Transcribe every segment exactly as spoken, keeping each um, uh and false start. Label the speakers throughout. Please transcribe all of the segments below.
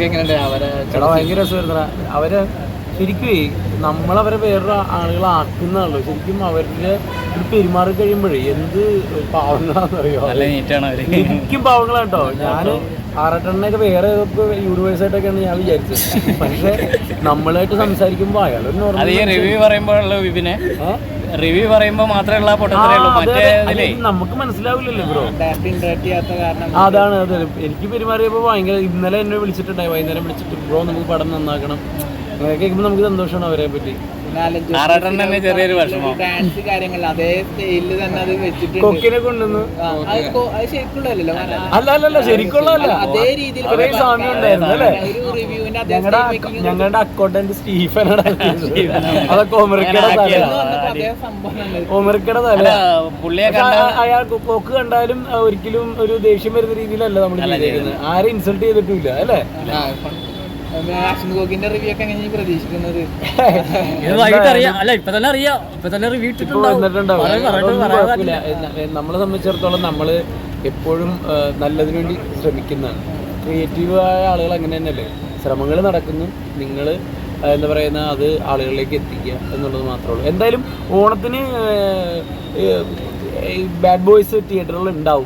Speaker 1: റിവ്യൂസൊക്കെ എങ്ങനെയുണ്ട് അവരെ?
Speaker 2: ചേട്ടാ ഭയങ്കര രസമായിരുന്നു അവര്. ശരിക്കും നമ്മളവരെ വേറൊരു ആളുകളാക്കുന്നതാണല്ലോ. ശരിക്കും അവരുടെ ഒരു പെരുമാറി കഴിയുമ്പോഴേ എന്ത് പാവങ്ങളാണെന്നറിയോ. ശരിക്കും പാവങ്ങളാണ് കേട്ടോ. ഞാൻ ആറട്ടെണ്ണൊക്കെ വേറെ യൂണിവേഴ്സായിട്ടൊക്കെയാണ് ഞാൻ വിചാരിച്ചത്. പക്ഷെ നമ്മളായിട്ട് സംസാരിക്കുമ്പോൾ അയാൾ
Speaker 3: റിവ്യൂ പറയുമ്പോഴുള്ള വിപിനെ റിവ്യൂ പറയുമ്പോൾ മാത്രമേ
Speaker 2: നമുക്ക് മനസ്സിലാവില്ലല്ലോ ബ്രോ. അതാണ് അതെ. എനിക്ക് പെരുമാറിയപ്പോൾ ഭയങ്കര. ഇന്നലെ എന്നെ വിളിച്ചിട്ടുണ്ടായി, വൈകുന്നേരം വിളിച്ചിട്ട് ബ്രോ നമുക്ക് പടം നന്നാക്കണം. അങ്ങനെ കേൾക്കുമ്പോൾ നമുക്ക് സന്തോഷമാണ് അവരെ പറ്റി.
Speaker 3: ചെറിയൊരു വിഷമം.
Speaker 2: കൊക്കിനെ കൊണ്ടുവന്നു. അല്ല അല്ലല്ല ശരിക്കുള്ളതല്ല, അതേ രീതിയിൽ സാമ്യം ഉണ്ടായിരുന്നു അല്ലേ. ഞങ്ങളുടെ ഞങ്ങളുടെ അക്കൗണ്ടന്റ് സ്റ്റീഫനാണ്. അതൊക്കെ ഒമറിക്കയുടെ തല, ഒമറിക്കയുടെ തല. അയാൾ കൊക്ക് കണ്ടാലും ഒരിക്കലും ഒരു ദേഷ്യം വരുന്ന രീതിയിലല്ല നമ്മൾ ചെയ്തേക്കുന്നത്. ആരും ഇൻസൾട്ട് ചെയ്തിട്ടില്ല അല്ലേ.
Speaker 1: പ്രതീക്ഷിക്കുന്നത്
Speaker 2: നമ്മളെ സംബന്ധിച്ചിടത്തോളം നമ്മള് എപ്പോഴും നല്ലതിനു വേണ്ടി ശ്രമിക്കുന്നതാണ്. ക്രിയേറ്റീവായ ആളുകൾ അങ്ങനെ തന്നെയല്ലേ. ശ്രമങ്ങൾ നടക്കുന്നു, നിങ്ങൾ എന്താ പറയുന്ന അത് ആളുകളിലേക്ക് എത്തിക്കുക എന്നുള്ളത് മാത്രമേ ഉള്ളൂ. എന്തായാലും ഓണത്തിന് ബാഡ് ബോയ്സ് തിയേറ്ററുകൾ ഉണ്ടാവും.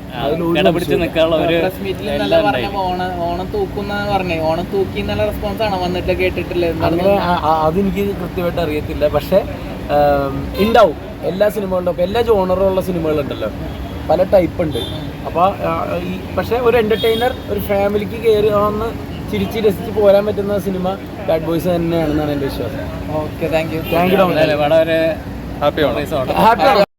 Speaker 2: അങ്ങനെ അതെനിക്ക് കൃത്യമായിട്ട് അറിയത്തില്ല. പക്ഷെ ഉണ്ടാവും എല്ലാ സിനിമകളുടെ ഒപ്പം. എല്ലാ ജോണറുള്ള സിനിമകളുണ്ടല്ലോ, പല ടൈപ്പ് ഉണ്ട്. അപ്പോൾ ഈ പക്ഷെ ഒരു എന്റർടൈനർ, ഒരു ഫാമിലിക്ക് കയറി ഒന്ന് ചിരിച്ച് രസിച്ച് പോരാൻ പറ്റുന്ന സിനിമ ബാഡ് ബോയ്സ് തന്നെയാണെന്നാണ് എൻ്റെ വിശ്വാസം.
Speaker 1: Okay, thank you
Speaker 2: thank you.
Speaker 3: വളരെ ഹാപ്പിയാണ്.
Speaker 2: ഹാപ്പിയാണ്.